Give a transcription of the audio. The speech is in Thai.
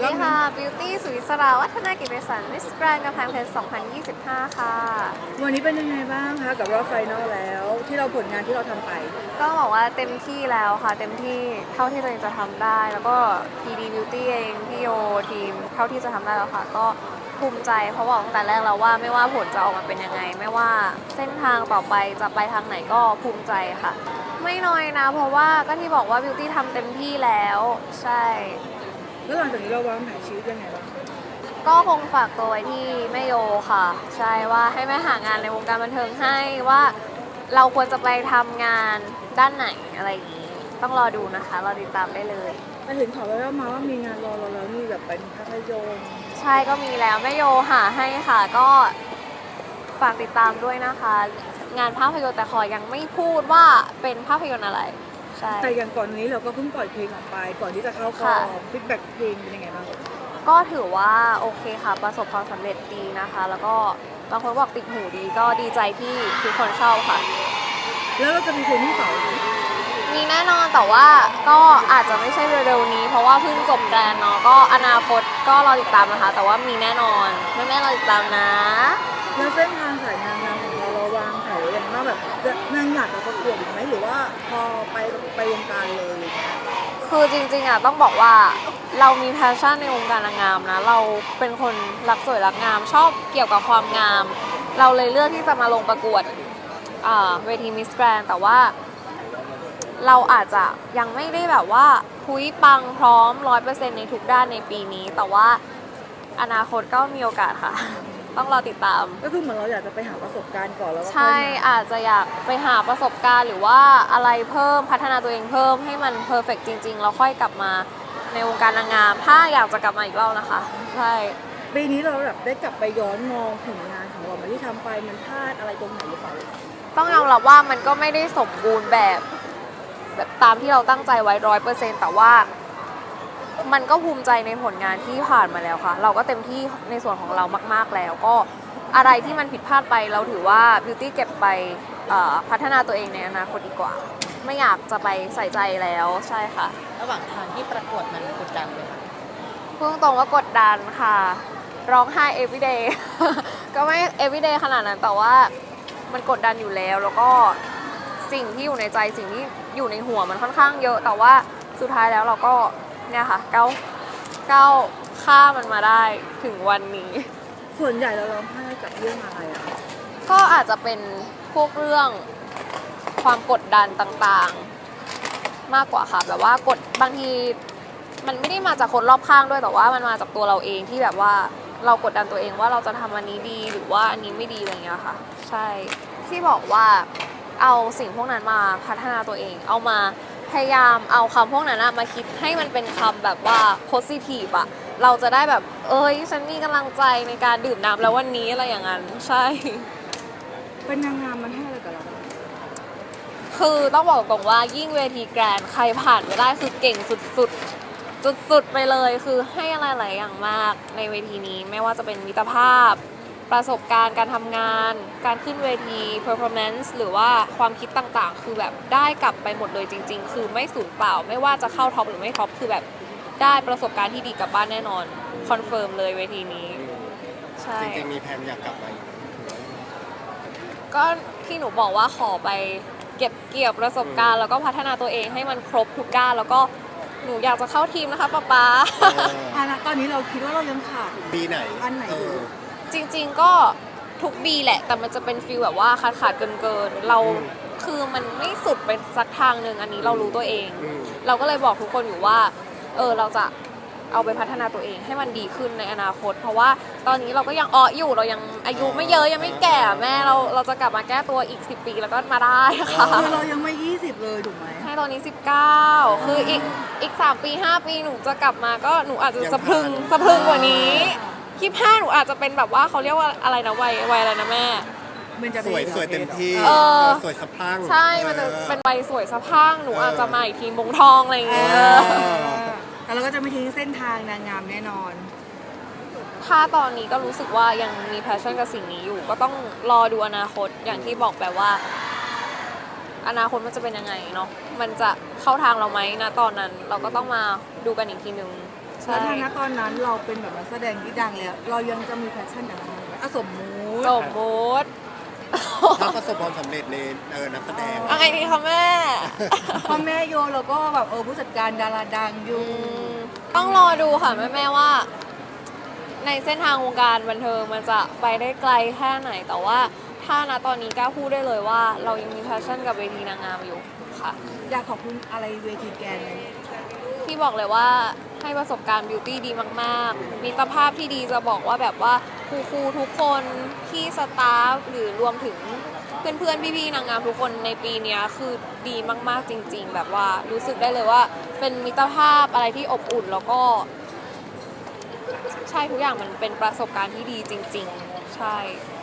ดีค่ะ Beauty สุวิศราวัฒนากิจเวสันต์มิสแกรนด์กำแพงเพชร 2025 ค่ะวันนี้เป็นยังไงบ้างคะกับรอบไฟนอลแล้วที่เราผลงานที่เราทำไปก็บอกว่าเต็มที่แล้วค่ะ เต็มที่เท่าที่ตัวเองจะทำได้ แล้วก็ PD Beauty เองพี่โยทีมเท่าที่จะทำได้แล้วค่ะ ก็ภูมิใจเพราะบอกตั้งแต่แรกแล้วว่าไม่ว่าผลจะออกมาเป็นยังไง ไม่ว่าเส้นทางต่อไปจะไปทางไหนก็ภูมิใจค่ะ ไม่น้อยนะ เพราะว่าก็ที่บอกว่า Beauty ทำเต็มที่แล้วใช่แล้วหลังจากนี้เราวางแผนชีวิตยังไงบ้างก็คงฝากตัวไว้ที่แม่โยค่ะ ใช่ว่าให้แม่หางานในวงการบันเทิงให้ว่าเราควรจะไปทำงานด้านไหนอะไรอย่างนี้ ต้องรอดูนะคะรอติดตามได้เลยแต่เห็นข่าวแว่วๆมาว่ามีงานรอเราแล้วนี่แบบเป็นภาพยนตร์ใช่ก็มีแล้วแม่โยหาให้ค่ะก็ฝากติดตามด้วยนะคะ งานภาพยนตร์แต่ขอยังไม่พูดว่าเป็นภาพยนตร์อะไรใช่แต่อย่างก่อนนี้เราก็เพิ่งปล่อยเพลงออกไปก่อนที่จะเข้ากองฟีดแบ็กเพลงเป็นยังไงบ้างก็ถือว่าโอเคค่ะประสบความสำเร็จดีนะคะ แล้วก็บางคนบอกติดหูดีก็ดีใจที่ทุกคนชอบค่ะแล้วเราจะมีเพลงที่สองไหมมีแน่นอนแต่ว่าก็อาจจะไม่ใช่เร็วๆนี้ เพราะว่าเพิ่งจบแกรนด์เนาะก็อนาคตก็รอติดตามนะคะ แต่ว่ามีแน่นอนแม่ๆรอติดตามนะแล้วเส้นทางสายงานของเราวางแผนอย่างว่าแบบจะนางอยากจะประกวดอีกไหมหรือว่าพอไปวงการเลยอะไรเงี้ยคือจริงๆอ่ะต้องบอกว่าเรามีแพชชั่นในวงการนางงามนะเราเป็นคนรักสวยรักงามชอบเกี่ยวกับความงาม เราเลยเลือกที่จะมาลงประกวดเวทีมิสแกรนด์แต่ว่าเราอาจจะยังไม่ได้แบบว่าพุ้ยปังพร้อม 100% ในทุกด้านในปีนี้ แต่ว่าอนาคตก็มีโอกาสค่ะ ต้องรอติดตามก็คือเหมือนเราอยากจะไปหาประสบการณ์ก่อนแล้วก็ใช่อาจจะอยากไปหาประสบการณ์หรือว่าอะไรเพิ่มพัฒนาตัวเองเพิ่มให้มันเพอร์เฟกจริงๆแล้วค่อยกลับมาในวงการนางงามถ้าอยากจะกลับมาอีกรอบนะคะใช่ปีนี้เราแบบได้กลับไปย้อนมองผลงานของเรามาที่ทำไปมันพลาดอะไรตรงไหนหรือเปล่าต้องยอมรับว่ามันก็ไม่ได้สมบูรณ์แบบตามที่เราตั้งใจไว้100%แต่ว่ามันก็ภูมิใจในผลงานที่ผ่านมาแล้วค่ะเราก็เต็มที่ในส่วนของเรามากๆแล้วก็อะไรที่มันผิดพลาดไปเราถือว่า Beauty เก็บไปพัฒนาตัวเองในอนาคตดีกว่าไม่อยากจะไปใส่ใจแล้วใช่ค่ะระหว่างทางที่ประกวดมันกดดันเลยค่ะพูดตรงว่ากดดันค่ะร้องไห้ everyday ก็ไม่ everyday ขนาดนั้นแต่ว่ามันกดดันอยู่แล้วแล้วก็สิ่งที่อยู่ในใจสิ่งที่อยู่ในหัวมันค่อนข้างเยอะแต่ว่าสุดท้ายแล้วเราก็เนี่ยค่ะก้าวข้ามมันมาได้ถึงวันนี้ส่วนใหญ่เราร้องไห้กับเรื่องอะไรอะก็อาจจะเป็นพวกเรื่องความกดดันต่างๆมากกว่าค่ะแบบว่ากดบางทีมันไม่ได้มาจากคนรอบข้างด้วยแต่ว่ามันมาจากตัวเราเองที่แบบว่าเรากดดันตัวเองว่าเราจะทำอันนี้ดีหรือว่าอันนี้ไม่ดีอะไรอย่างเงี้ยค่ะใช่ที่บอกว่าเอาสิ่งพวกนั้นมาพัฒนาตัวเองเอามาพยายามเอาคำพวกนั้นมาคิดให้มันเป็นคำแบบว่า positive อะเราจะได้แบบฉันมีกำลังใจในการดื่มน้ำแล้ววันนี้อะไรอย่างนั้นใช่เป็นนางงามมันให้อะไรกับเราคือต้องบอกตรงว่ายิ่งเวทีแกรนด์ใครผ่านไม่ได้คือเก่งสุดๆสุดๆไปเลยคือให้อะไรหลายอย่างมากในเวทีนี้ไม่ว่าจะเป็นมิตรภาพประสบการณ์การทำงานการขึ้นเวที performance หรือว่าความคิดต่างๆคือแบบได้กลับไปหมดเลยจริงๆคือไม่สูญเปล่าไม่ว่าจะเข้าท็อปหรือไม่ท็อปคือแบบได้ประสบการณ์ที่ดีกลับบ้านแน่นอนคอนเฟิร์มเลยเวทีนี้ใช่จริงๆมีแผนอยากกลับมาอีกก็ที่หนูบอกว่าขอไปเก็บเกี่ยวประสบการณ์แล้วก็พัฒนาตัวเองให้มันครบทุกด้านแล้วก็หนูอยากจะเข้าทีมนะคะป๊าตอนนี้เราคิดว่าเรายังขาดปีไหนอันไหนอยู่จริงๆก็ทุกปีแหละแต่มันจะเป็นฟีลแบบว่าขาดเกินเราคือมันไม่สุดไปสักทางหนึ่งอันนี้เรารู้ตัวเองเราก็เลยบอกทุกคนอยู่ว่าเราจะเอาไปพัฒนาตัวเองให้มันดีขึ้นในอนาคตเพราะว่าตอนนี้เราก็ยังอยู่เรายังอายุไม่เยอะยังไม่แก่แม่เราจะกลับมาแก้ตัวอีก10 ปีแล้วก็มาได้ค่ะเรายังไม่20เลยถูกไหมใช่ตอนนี้19คืออีก3 ปี5 ปีหนูจะกลับมาก็หนูอาจจะสะพรึงกว่านี้25หนูอาจจะเป็นแบบว่าเขาเรียกว่าอะไรนะวัยอะไรนะแม่สวยเต็มที่สวยสะพรั่งใช่มันจะเป็นวัยสวยสะพรั่งหนูอาจจะมาอีกทีมงทองอะไรอย่างเงี้ยแต่เราก็จะไม่ทิ้งเส้นทางนางงามแน่นอนถ้าตอนนี้ก็รู้สึกว่ายังมีแพชชั่นกับสิ่งนี้อยู่ก็ต้องรอดูอนาคตอย่างที่บอกแบบว่าอนาคตมันจะเป็นยังไงเนาะมันจะเข้าทางเราไหมนะตอนนั้นเราก็ต้องมาดูกันอีกทีนึงใช่แล้วถ้าณตอนนั้นเราเป็นแบบนักแสดงที่ดังแล้ว เรายังจะมีแพชชั่นอะไรไหมสมมุติสมมุติถ้าประสบความสำเร็จในนักแสดงเอาไงดีคะแม่พ่อแม่โยเราก็แบบผู้จัดการดาราดังอยู่ต้องรอดูค่ะแม่ๆว่า ในเส้นทางวงการบันเทิงมันจะไปได้ไกลแค่ไหน แต่ว่าถ้าณตอนนี้กล้าพูดได้เลยว่า เรายังมีแพชชั่นกับเวทีนางงามอยู่ค่ะอยากขอบคุณอะไรเวทีแกนเลยที่บอกเลยว่าให้ประสบการณ์บิวตี้ดีมากๆ มีตรภาพที่ดีจะบอกว่าแบบว่าครูๆทุกคนที่สตาฟหรือรวมถึงเพื่อนๆพี่ๆนางงามทุกคนในปีเนี้ยคือดีมากๆจริง ๆ แบบว่ารู้สึกได้เลยว่าเป็นมิตรภาพอะไรที่อบอุ่นแล้วก็ใช่ทุกอย่างมันเป็นประสบการณ์ที่ดีจริง ๆ ใช่